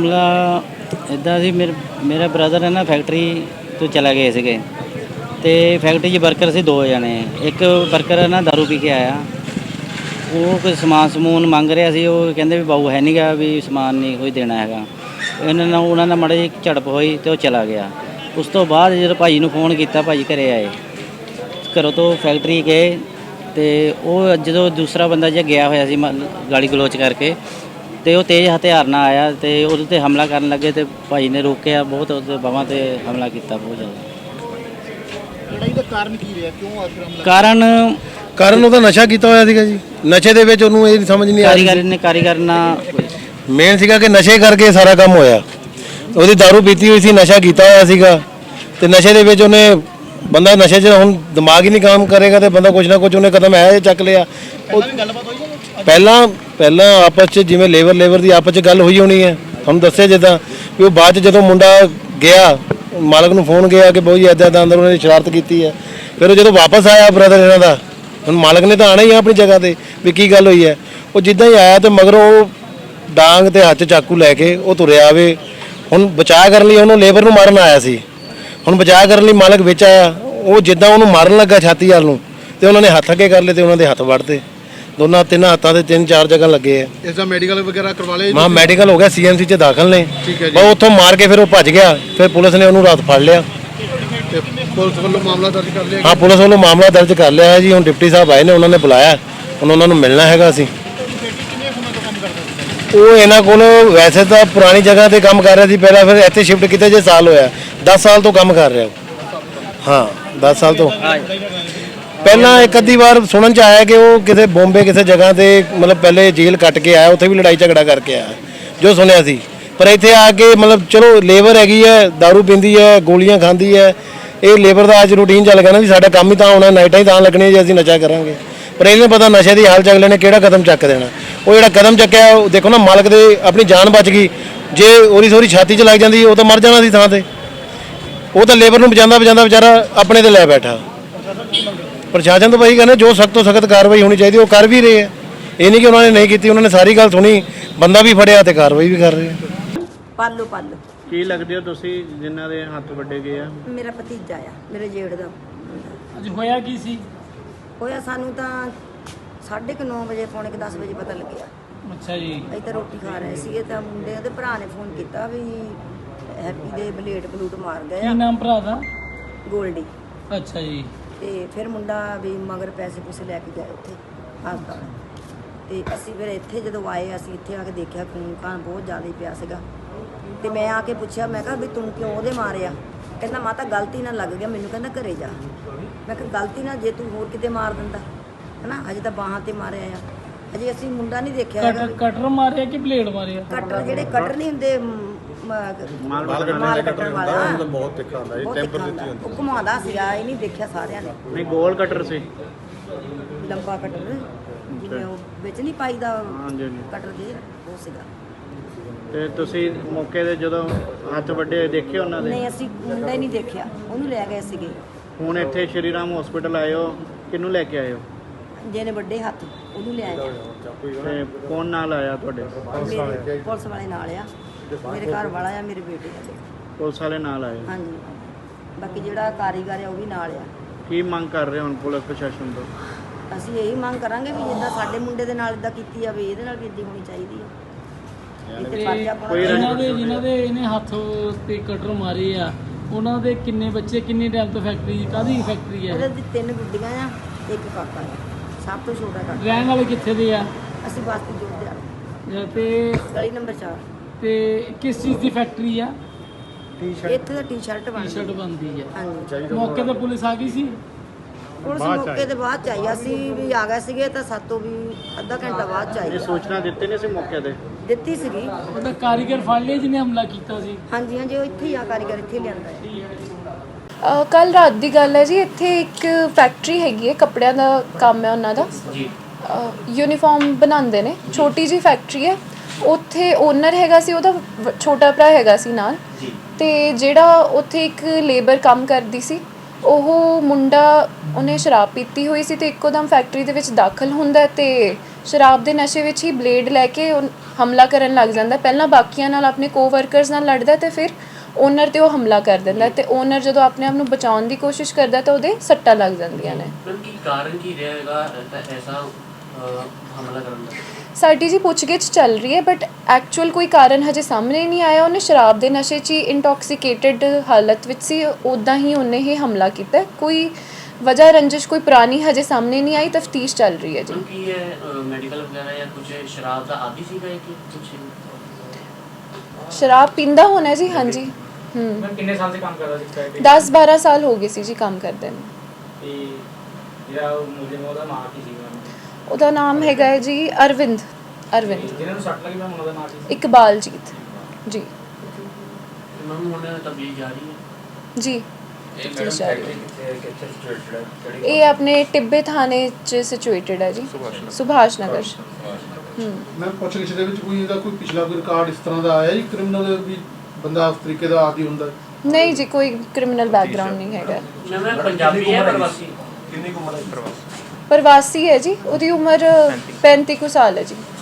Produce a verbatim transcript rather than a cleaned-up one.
ਮਾਮਲਾ ਇੱਦਾਂ ਸੀ, ਮੇਰੇ ਮੇਰਾ ਬ੍ਰਦਰ ਹੈ ਨਾ ਫੈਕਟਰੀ ਤੋਂ ਚਲਾ ਗਏ ਸੀਗੇ ਅਤੇ ਫੈਕਟਰੀ 'ਚ ਵਰਕਰ ਸੀ ਦੋ ਜਣੇ। ਇੱਕ ਵਰਕਰ ਹੈ ਨਾ ਦਾਰੂ ਪੀ ਕੇ ਆਇਆ, ਉਹ ਕੋਈ ਸਮਾਨ ਸਮੂਨ ਮੰਗ ਰਿਹਾ ਸੀ। ਉਹ ਕਹਿੰਦੇ ਵੀ ਬਾਊ ਹੈ ਨਹੀਂ ਗਾ, ਵੀ ਸਮਾਨ ਨਹੀਂ ਕੋਈ ਦੇਣਾ ਹੈਗਾ। ਇਹਨਾਂ ਨਾਲ ਉਹਨਾਂ ਨਾਲ ਮਾੜੀ ਜਿਹੀ ਝੜਪ ਹੋਈ ਅਤੇ ਉਹ ਚਲਾ ਗਿਆ। ਉਸ ਤੋਂ ਬਾਅਦ ਜਦੋਂ ਭਾਈ ਨੂੰ ਫੋਨ ਕੀਤਾ, ਭਾਈ ਘਰੇ ਆਏ, ਘਰੋਂ ਤੋਂ ਫੈਕਟਰੀ ਗਏ ਅਤੇ ਉਹ ਜਦੋਂ ਦੂਸਰਾ ਬੰਦਾ ਜਿਹਾ ਗਿਆ ਹੋਇਆ ਸੀ ਗਾਲੀ ਗਲੋਚ ਕਰਕੇ, ਅਤੇ ਉਹ ਤੇਜ਼ ਹਥਿਆਰ ਨਾਲ ਆਇਆ ਅਤੇ ਉਹਦੇ 'ਤੇ ਹਮਲਾ ਕਰਨ ਲੱਗੇ ਅਤੇ ਭਾਈ ਨੇ ਰੋਕਿਆ ਬਹੁਤ, ਉਹਦੇ ਬਾਹਾਂ 'ਤੇ ਹਮਲਾ ਕੀਤਾ ਬਹੁਤ ਜ਼ਿਆਦਾ। ਲੜਾਈ ਦਾ ਕਾਰਨ ਕੀ ਰਿਹਾ, ਕਿਉਂ ਆਖਰ ਹਮਲਾ? ਕਾਰਨ ਕਾਰਨ ਉਹਦਾ ਨਸ਼ਾ ਕੀਤਾ ਹੋਇਆ ਸੀਗਾ ਜੀ। ਨਸ਼ੇ ਦੇ ਵਿੱਚ ਉਹਨੂੰ ਇਹ ਸਮਝ ਨਹੀਂ ਆ ਰਹੀ ਕਾਰੀਗਰ ਨੇ ਕਾਰੀਗਰ ਨਾਲ ਮੇਨ ਸੀਗਾ ਕਿ ਨਸ਼ੇ ਕਰਕੇ ਸਾਰਾ ਕੰਮ ਹੋਇਆ। ਉਹਦੀ ਦਾਰੂ ਪੀਤੀ ਹੋਈ ਸੀ, ਨਸ਼ਾ ਕੀਤਾ ਹੋਇਆ ਸੀਗਾ ਅਤੇ ਨਸ਼ੇ ਦੇ ਵਿੱਚ ਉਹਨੇ ਬੰਦਾ ਨਸ਼ੇ 'ਚ ਹੁਣ ਦਿਮਾਗ ਹੀ ਨਹੀਂ ਕੰਮ ਕਰੇਗਾ ਅਤੇ ਬੰਦਾ ਕੁਛ ਨਾ ਕੁਛ ਉਹਨੇ ਕਦਮ ਹੈ ਚੱਕ ਲਿਆ। ਉਹ ਗੱਲਬਾਤ ਹੋਈ ਹੈ ਪਹਿਲਾਂ ਪਹਿਲਾਂ ਆਪਸ 'ਚ ਜਿਵੇਂ ਲੇਬਰ ਲੇਬਰ ਦੀ ਆਪਸ 'ਚ ਗੱਲ ਹੋਈ ਹੋਣੀ ਹੈ, ਤੁਹਾਨੂੰ ਦੱਸਿਆ ਜਿੱਦਾਂ ਵੀ ਉਹ ਬਾਅਦ 'ਚ ਜਦੋਂ ਮੁੰਡਾ ਗਿਆ ਮਾਲਕ ਨੂੰ ਫੋਨ ਗਿਆ ਕਿ ਬਹੁਤ ਜੀ ਇੱਦਾਂ ਇੱਦਾਂ ਅੰਦਰ ਉਹਨੇ ਸ਼ਰਾਰਤ ਕੀਤੀ ਹੈ। ਫਿਰ ਉਹ ਜਦੋਂ ਵਾਪਸ ਆਇਆ ਬ੍ਰਦਰ ਇਹਨਾਂ ਦਾ, ਹੁਣ ਮਾਲਕ ਨੇ ਤਾਂ ਆਉਣਾ ਹੀ ਆ ਆਪਣੀ ਜਗ੍ਹਾ 'ਤੇ ਵੀ ਕੀ ਗੱਲ ਹੋਈ ਹੈ। ਉਹ ਜਿੱਦਾਂ ਹੀ ਆਇਆ ਅਤੇ ਮਗਰੋਂ ਉਹ ਡਾਂਗ ਅਤੇ ਹੱਥ 'ਚ ਚਾਕੂ ਲੈ ਕੇ ਉਹ ਤੁਰਿਆ ਆਵੇ। ਹੁਣ ਬਚਾਅ ਕਰਨ ਲਈ ਉਹਨੂੰ ਲੇਬਰ ਨੂੰ ਮਾਰਨ ਆਇਆ ਸੀ। ਹੁਣ ਬਚਾਅ ਕਰਨ ਲਈ ਮਾਲਕ ਵਿੱਚ ਆਇਆ, ਉਹ ਜਿੱਦਾਂ ਉਹਨੂੰ ਮਾਰਨ ਲੱਗਾ ਛਾਤੀ ਵੱਲ ਨੂੰ ਅਤੇ ਉਹਨਾਂ ਨੇ ਹੱਥ ਅੱਗੇ ਕਰ ਲਏ ਅਤੇ ਉਹਨਾਂ ਦੇ ਹੱਥ ਵੱਢਤੇ। ਦੋਨਾਂ ਤਿੰਨ ਹੱਥਾਂ 'ਤੇ ਤਿੰਨ ਚਾਰ ਜਗ੍ਹਾ ਲੱਗੇ ਆ। ਇਸ ਦਾ ਮੈਡੀਕਲ ਵਗੈਰਾ ਕਰਵਾ ਲਿਆ? ਹਾਂ ਮੈਡੀਕਲ ਹੋ ਗਿਆ, ਸੀ ਐਮ ਸੀ 'ਚ ਦਾਖਲ ਨੇ। ਠੀਕ ਹੈ ਜੀ। ਬਸ ਉੱਥੋਂ ਮਾਰ ਕੇ ਫਿਰ ਉਹ ਭੱਜ ਗਿਆ। ਫਿਰ ਪੁਲਿਸ ਨੇ ਉਹਨੂੰ ਰਾਤ ਫੜ ਲਿਆ। ਤੇ ਪੁਲਿਸ ਵੱਲੋਂ ਮਾਮਲਾ ਦਰਜ ਕਰ ਲਿਆ? ਹਾਂ ਪੁਲਿਸ ਵੱਲੋਂ ਮਾਮਲਾ ਦਰਜ ਕਰ ਲਿਆ ਹੈ ਜੀ। ਹੁਣ ਡਿਪਟੀ ਸਾਹਿਬ ਆਏ ਨੇ, ਉਹਨਾਂ ਨੇ ਬੁਲਾਇਆ, ਹੁਣ ਉਹਨਾਂ ਨੂੰ ਮਿਲਣਾ ਹੈਗਾ। ਅਸੀਂ ਉਹ ਇਹਨਾਂ ਕੋਲ ਵੈਸੇ ਤਾਂ ਪੁਰਾਣੀ ਜਗ੍ਹਾ 'ਤੇ ਕੰਮ ਕਰ ਰਿਹਾ ਸੀ ਪਹਿਲਾਂ, ਫਿਰ ਇੱਥੇ ਸ਼ਿਫਟ ਕੀਤਾ ਜੇ ਸਾਲ ਹੋਇਆ। ਦਸ ਸਾਲ ਤੋਂ ਕੰਮ ਕਰ ਰਿਹਾ। ਹਾਂ ਦਸ ਸਾਲ ਤੋਂ। ਪਹਿਲਾਂ ਇੱਕ ਅੱਧੀ ਵਾਰ ਸੁਣਨ 'ਚ ਆਇਆ ਕਿ ਉਹ ਕਿਸੇ ਬੰਬੇ ਕਿਸੇ ਜਗ੍ਹਾ 'ਤੇ ਮਤਲਬ ਪਹਿਲੇ ਜੇਲ੍ਹ ਕੱਟ ਕੇ ਆਇਆ, ਉੱਥੇ ਵੀ ਲੜਾਈ ਝਗੜਾ ਕਰਕੇ ਆਇਆ ਜੋ ਸੁਣਿਆ ਸੀ। ਪਰ ਇੱਥੇ ਆ ਕੇ ਮਤਲਬ ਚਲੋ ਲੇਬਰ ਹੈਗੀ ਹੈ, ਦਾਰੂ ਪੀਂਦੀ ਹੈ, ਗੋਲੀਆਂ ਖਾਂਦੀ ਹੈ, ਇਹ ਲੇਬਰ ਦਾ ਅੱਜ ਰੂਟੀਨ ਚੱਲ ਗਿਆ ਨਾ ਵੀ ਸਾਡਾ ਕੰਮ ਹੀ ਤਾਂ ਹੋਣਾ, ਨਾਈਟਾਂ ਹੀ ਤਾਂ ਲੱਗਣੀਆਂ ਜੇ ਅਸੀਂ ਨਸ਼ਾ ਕਰਾਂਗੇ। ਪਰ ਇਹਨੂੰ ਪਤਾ ਨਸ਼ੇ ਦੀ ਹਾਲ ਚੱਕ ਲੈਣੇ, ਕਿਹੜਾ ਕਦਮ ਚੱਕ ਦੇਣਾ। ਉਹ ਜਿਹੜਾ ਕਦਮ ਚੱਕਿਆ ਉਹ ਦੇਖੋ ਨਾ, ਮਾਲਕ ਦੇ ਆਪਣੀ ਜਾਨ ਬਚ ਗਈ। ਜੇ ਉਹਦੀ ਸੋਰੀ ਛਾਤੀ 'ਚ ਲੱਗ ਜਾਂਦੀ ਉਹ ਤਾਂ ਮਰ ਜਾਣਾ ਸੀ ਥਾਂ 'ਤੇ। ਉਹ ਤਾਂ ਲੇਬਰ ਨੂੰ ਬਚਾਉਂਦਾ ਬਚਾਉਂਦਾ ਵਿਚਾਰਾ ਆਪਣੇ 'ਤੇ ਲੈ ਬੈਠਾ। ਪ੍ਰਸ਼ਾਸਨ ਤੋਂ ਭਾਈ ਕਹਿੰਦੇ ਜੋ ਸਖਤ ਤੋਂ ਸਖਤ ਕਾਰਵਾਈ ਹੋਣੀ ਚਾਹੀਦੀ ਉਹ ਕਰ ਵੀ ਰਹੇ ਹੈ। ਇਹ ਨਹੀਂ ਕਿ ਉਹਨਾਂ ਨੇ ਨਹੀਂ ਕੀਤੀ, ਉਹਨਾਂ ਨੇ ਸਾਰੀ ਗੱਲ ਸੁਣੀ, ਬੰਦਾ ਵੀ ਫੜਿਆ ਤੇ ਕਾਰਵਾਈ ਵੀ ਕਰ ਰਹੇ ਆ। ਪਾਲੋ ਪਾਲੋ ਕੀ ਲੱਗਦੇ ਹੋ ਤੁਸੀਂ ਜਿਨ੍ਹਾਂ ਦੇ ਹੱਥ ਵੱਡੇ ਗਏ ਆ? ਮੇਰਾ ਭਤੀਜਾ ਆ, ਮੇਰੇ ਜੇਠ ਦਾ। ਅੱਜ ਹੋਇਆ ਕੀ ਸੀ? ਹੋਇਆ ਸਾਨੂੰ ਤਾਂ ਸਾਢੇ ਕੁ ਨੌ ਵਜੇ ਪੌਣੇ ਕੁ ਦਸ ਵਜੇ ਪਤਾ ਲੱਗਿਆ। ਅੱਛਾ ਜੀ। ਅਸੀਂ ਤਾਂ ਰੋਟੀ ਖਾ ਰਹੇ ਸੀਗੇ ਤਾਂ ਮੁੰਡੇ ਉਹਦੇ ਭਰਾ ਨੇ ਫੋਨ ਕੀਤਾ ਵੀ ਹੈਪੀ ਦੇ ਬਲੇਡ ਬਲੂਟ ਮਾਰ ਗਏ ਕੀ ਆ, ਨਾਮ ਭਰਾ ਦਾ? ਗੋਲਡੀ। ਅੱਛਾ ਜੀ। ਤੇ ਫਿਰ ਮੁੰਡਾ ਵੀ ਮਗਰ ਪੈਸੇ ਪੂਸੇ ਲੈ ਕੇ ਗਏ ਉੱਥੇ ਹਸਪਤਾਲ। ਤੇ ਅਸੀਂ ਫਿਰ ਇੱਥੇ ਜਦੋਂ ਆਏ, ਅਸੀਂ ਇੱਥੇ ਆ ਕੇ ਦੇਖਿਆ ਖੂਨ ਖਾਨ ਬਹੁਤ ਜ਼ਿਆਦਾ ਹੀ ਪਿਆ ਸੀਗਾ। ਤੇ ਮੈਂ ਆ ਕੇ ਪੁੱਛਿਆ, ਮੈਂ ਕਿਹਾ ਵੀ ਤੂੰ ਕਿਉਂ ਉਹਦੇ ਮਾਰਿਆ? ਕਹਿੰਦਾ ਮਾਤਾ ਗਲਤੀ ਨਾਲ ਲੱਗ ਗਿਆ ਮੈਨੂੰ, ਕਹਿੰਦਾ ਘਰੇ ਜਾ। ਮੈਂ ਕਿਹਾ ਗਲਤੀ ਨਾਲ ਜੇ ਤੂੰ ਹੋਰ ਕਿਤੇ ਮਾਰ ਦਿੰਦਾ ਹੈ ਨਾ, ਅਜੇ ਤਾਂ ਬਾਹਾਂ 'ਤੇ ਮਾਰਿਆ ਆ, ਅਜੇ ਅਸੀਂ ਮੁੰਡਾ ਨਹੀਂ ਦੇਖਿਆ ਹੈਗਾ। ਕਟਰ ਮਾਰਿਆ ਕਿ ਬਲੇਡ ਮਾਰਿਆ? ਕਟਰ ਜਿਹੜੇ ਕਟਰ ਨਹੀਂ ਹੁੰਦੇ ਮਾਲ ਕੱਟਣ ਵਾਲਾ, ਬਹੁਤ ਤਿੱਖਾ ਹੁੰਦਾ ਜੀ, ਟੈਂਪਰ ਦਿੱਤੀ ਹੁੰਦੀ, ਉਹ ਘੁਮਾਉਂਦਾ ਸੀਗਾ, ਇਹ ਨਹੀਂ ਦੇਖਿਆ ਸਾਰਿਆਂ ਨੇ। ਨਹੀਂ ਗੋਲ ਕਟਰ ਸੀ, ਲੰਬਾ ਕਟਰ ਜਿਵੇਂ ਉਹ ਵਿੱਚ ਨਹੀਂ ਪਾਈਦਾ ਹਾਂਜੀ ਹਾਂਜੀ। ਕਟਰ ਦੇ, ਉਹ ਸੀਗਾ। ਤੇ ਤੁਸੀਂ ਮੌਕੇ ਤੇ ਜਦੋਂ ਹੱਥ ਵੱਡੇ ਦੇਖੇ ਉਹਨਾਂ ਦੇ? ਨਹੀਂ ਅਸੀਂ ਮੁੰਡਾ ਹੀ ਨਹੀਂ ਦੇਖਿਆ, ਉਹਨੂੰ ਲੈ ਗਏ ਸੀਗੇ। ਹੁਣ ਇੱਥੇ ਸ਼੍ਰੀ ਰਾਮ ਹਸਪੀਟਲ ਆਏ ਹੋ, ਕਿਹਨੂੰ ਲੈ ਕੇ ਆਏ ਹੋ? ਜਿਹਨੇ ਵੱਡੇ ਹੱਥ ਉਹਨੂੰ ਲੈ ਆਇਆ। ਤੇ ਕੌਣ ਨਾਲ ਆਇਆ ਤੁਹਾਡੇ? ਮੇਰੇ ਪੁਲਿਸ ਵਾਲੇ ਨਾਲ ਆ, ਮੇਰੇ ਘਰ ਵਾਲਾ ਆ, ਮੇਰੇ ਬੇਟੇ ਆ। ਪੁਲਿਸ ਵਾਲੇ ਨਾਲ ਆਏ? ਹਾਂਜੀ। ਬਾਕੀ ਜਿਹੜਾ ਕਾਰੀਗਰ ਆ ਉਹ ਵੀ ਨਾਲ ਆ। ਕੀ ਮੰਗ ਕਰ ਰਹੇ ਹੋ ਹੁਣ ਪੁਲਿਸ ਪ੍ਰਸ਼ਾਸਨ ਤੋਂ? ਅਸੀਂ ਇਹੀ ਮੰਗ ਕਰਾਂਗੇ ਵੀ ਜਿੱਦਾਂ ਸਾਡੇ ਮੁੰਡੇ ਦੇ ਨਾਲ ਇਦਾਂ ਕੀਤੀ ਆ ਵੀ ਇਹਦੇ ਨਾਲ ਵੀ ਇੱਦਾਂ ਹੋਣੀ ਚਾਹੀਦੀ ਆ। ਕੋਈ ਜਿਨ੍ਹਾਂ ਦੇ ਜਿਨ੍ਹਾਂ ਦੇ ਇਹਨੇ ਹੱਥ ਤੇ ਕਟਰ ਮਾਰੇ ਆ, ਉਹਨਾਂ ਦੇ ਕਿੰਨੇ ਬੱਚੇ, ਕਿੰਨੇ ਟਾਈਮ ਤੋਂ ਫੈਕਟਰੀ, ਕਾਹਦੀ ਫੈਕਟਰੀ ਹੈ? ਉਹਦੇ ਦੀ ਤਿੰਨ ਗੁੱਡੀਆਂ ਆ, ਇੱਕ ਕਾਕਾ ਆ, ਸਭ ਤੋਂ ਛੋਟਾ ਕਾਕਾ। ਰਹਿਣ ਵਾਲੇ ਕਿੱਥੇ ਦੇ ਆ? ਅਸੀਂ ਬਸਤੀ ਜੋੜਦੇ ਆ, ਤੇ ਗਲੀ ਨੰਬਰ ਚਾਰ। ਤੇ ਕਿਸ ਚੀਜ਼ ਦੀ ਫੈਕਟਰੀ ਆ? ਇੱਥੇ ਤਾਂ ਟੀ-ਸ਼ਰਟ ਬਣਦੀ ਟੀ-ਸ਼ਰਟ ਬਣਦੀ ਹੈ। ਹਾਂਜੀ। ਮੌਕੇ ਤੇ ਪੁਲਿਸ ਆ ਗਈ ਸੀ? ਪੁਲਿਸ ਮੌਕੇ ਤੇ ਬਾਅਦ ਚ ਆਈ, ਅਸੀਂ ਵੀ ਆ ਗਏ ਸੀਗੇ ਤਾਂ ਸਾਤੋਂ ਵੀ ਅੱਧਾ ਘੰਟਾ ਬਾਅਦ ਚ ਆਈ। ਇਹ ਸੂਚਨਾ ਦਿੱਤੀ ਨਹੀਂ ਸੀ ਮੌਕੇ ਤੇ? ਦਿੱਤੀ ਸੀਗੀ। ਉਹਦਾ ਕਾਰੀਗਰ ਫੜ ਲਿਆ ਜਿਹਨੇ ਹਮਲਾ ਕੀਤਾ ਸੀ? ਹਾਂਜੀ ਹਾਂਜੀ, ਉਹ ਇੱਥੇ ਹੀ ਆ, ਕਾਰੀਗਰ ਇੱਥੇ ਲਿਆਂਦਾ ਹੈ। ਕੱਲ ਰਾਤ ਦੀ ਗੱਲ ਹੈ ਜੀ। ਇੱਥੇ ਇੱਕ ਫੈਕਟਰੀ ਹੈਗੀ ਹੈ, ਕੱਪੜਿਆਂ ਦਾ ਕੰਮ ਹੈ ਉਹਨਾਂ ਦਾ ਜੀ। ਯੂਨੀਫਾਰਮ ਬਣਾਉਂਦੇ ਨੇ, ਛੋਟੀ ਜਿਹੀ ਫੈਕਟਰੀ ਹੈ। ਉੱਥੇ ਓਨਰ ਹੈਗਾ ਸੀ, ਉਹਦਾ ਛੋਟਾ ਭਰਾ ਹੈਗਾ ਸੀ ਨਾਲ। ਤੇ ਜਿਹੜਾ ਉੱਥੇ ਇੱਕ ਲੇਬਰ ਕੰਮ ਕਰਦੀ ਸੀ, ਉਹ ਮੁੰਡਾ ਉਹਨੇ ਸ਼ਰਾਬ ਪੀਤੀ ਹੋਈ ਸੀ ਤੇ ਇੱਕੋ ਦਮ ਫੈਕਟਰੀ ਦੇ ਵਿੱਚ ਦਾਖਲ ਹੁੰਦਾ ਤੇ ਸ਼ਰਾਬ ਦੇ ਨਸ਼ੇ ਵਿੱਚ ਹੀ ਬਲੇਡ ਲੈ ਕੇ ਹਮਲਾ ਕਰਨ ਲੱਗ ਜਾਂਦਾ। ਪਹਿਲਾਂ ਬਾਕੀਆਂ ਨਾਲ ਆਪਣੇ ਕੋਵਰਕਰਸ ਨਾਲ ਲੜਦਾ ਤੇ ਫਿਰ ਓਨਰ ਤੇ ਉਹ ਹਮਲਾ ਕਰ ਦਿੰਦਾ ਤੇ ਓਨਰ ਜਦੋਂ ਆਪਣੇ ਆਪ ਨੂੰ ਬਚਾਉਣ ਦੀ ਕੋਸ਼ਿਸ਼ ਕਰਦਾ ਤਾਂ ਉਹਦੇ ਸੱਟਾਂ ਲੱਗ ਜਾਂਦੀਆਂ ਨੇ। ਕੀ ਕਾਰਨ ਕੀ ਰਹੇਗਾ ਐਸਾ ਹਮਲਾ ਕਰਨ ਦਾ? ਸਾਡੀ ਜੀ ਪੁੱਛਗਿੱਛ ਚੱਲ ਰਹੀ ਹੈ ਬਟ ਐਕਚੁਅਲ ਕੋਈ ਕਾਰਨ ਹਜੇ ਸਾਹਮਣੇ ਨਹੀਂ ਆਇਆ। ਉਹਨੇ ਸ਼ਰਾਬ ਦੇ ਨਸ਼ੇ 'ਚ ਹੀ ਇੰਟੌਕਸੀਕੇਟਿਡ ਹਾਲਤ ਵਿੱਚ ਸੀ, ਉੱਦਾਂ ਹੀ ਉਹਨੇ ਇਹ ਹਮਲਾ ਕੀਤਾ। ਕੋਈ ਵਜ੍ਹਾ ਰੰਜਿਸ਼ ਕੋਈ ਪੁਰਾਣੀ ਹਜੇ ਸਾਹਮਣੇ ਨਹੀਂ ਆਈ, ਤਫਤੀਸ਼ ਚੱਲ ਰਹੀ ਹੈ ਜੀ। ਕੀ ਇਹ ਮੈਡੀਕਲ ਵਗੈਰਾ ਜਾਂ ਕੁਝ ਸ਼ਰਾਬ ਦਾ ਆਦੀ ਸੀਗਾ ਕਿ ਕੁਝ? ਸ਼ਰਾਬ ਪੀਂਦਾ ਹੋਣਾ ਜੀ, ਹਾਂਜੀ। ਹੂੰ ਮੈਂ ਕਿੰਨੇ ਸਾਲ ਸੇ ਕੰਮ ਕਰਦਾ ਸੀ ਫੈਕਟਰੀ? ਦਸ ਬਾਰਾਂ ਸਾਲ ਹੋ ਗਏ ਸੀ ਜੀ ਕੰਮ ਕਰਦੇ ਨੂੰ। ਤੇ ਜਿਹੜਾ ਉਹ ਮੁਲਜ਼ਮ ਉਹਦਾ ਨਾਮ ਕੀ ਸੀਗਾ? ਉਹਦਾ ਨਾਮ ਹੈਗਾ ਹੈ ਜੀ ਅਰਵਿੰਦ। ਅਰਵਿੰਦ ਜਿਹਨਾਂ ਨੂੰ ਸੱਟ ਲੱਗੀ ਮੈਂ ਉਹਨਾਂ ਦਾ ਨਾਮ ਕੀ? ਇਕਬਾਲਜੀਤ ਜੀ। ਮੈਮ ਹੁਣ ਤਬਦੀਲ ਜਾ ਰਹੀ ਹੈ ਜੀ ਇਹ ਮੈਡਮ ਫੈਕਟਰੀ ਕਿੱਥੇ ਕਿੱਥੇ ਸਿਚੁਏਟਡ ਹੈ? ਕਿਹੜੀ ਇਹ ਆਪਣੇ ਟਿੱਬੇ ਥਾਣੇ 'ਚ ਸਿਚੁਏਟਡ ਹੈ ਜੀ, ਸੁਭਾਸ਼ ਨਗਰ। ਹੂੰ ਮੈਂ ਪੁੱਛਗਿੱਛ ਦੇ ਵਿੱਚ ਕੋਈ ਇਹਦਾ ਕੋਈ ਪਿਛਲਾ ਕੋਈ ਰਿਕਾਰਡ ਇਸ ਤਰ੍ਹਾਂ ਦਾ ਆਇਆ ਜੀ ਕ੍ਰਿਮੀਨਲ ਵੀ ਬੰਦਾ ਉਸ ਤਰੀਕੇ ਦਾ ਆਦੀ ਹੁੰਦਾ? ਨਹੀਂ ਜੀ, ਕੋਈ ਕ੍ਰਿਮੀਨਲ ਬੈਕਗ੍ਰਾਉਂਡ ਨਹੀਂ ਹੈਗਾ। ਮੈਂ ਪੰਜਾਬੀ ਹੈ ਪ੍ਰਵਾਸੀ? ਕਿੰਨੀ ਕੁ ਉਮਰ ਹੈ ਪ੍ਰਵਾਸੀ? ਪ੍ਰਵਾਸੀ ਹੈ ਜੀ, ਉਹਦੀ ਉਮਰ ਪੈਂਤੀ ਕੁ ਸਾਲ ਹੈ ਜੀ।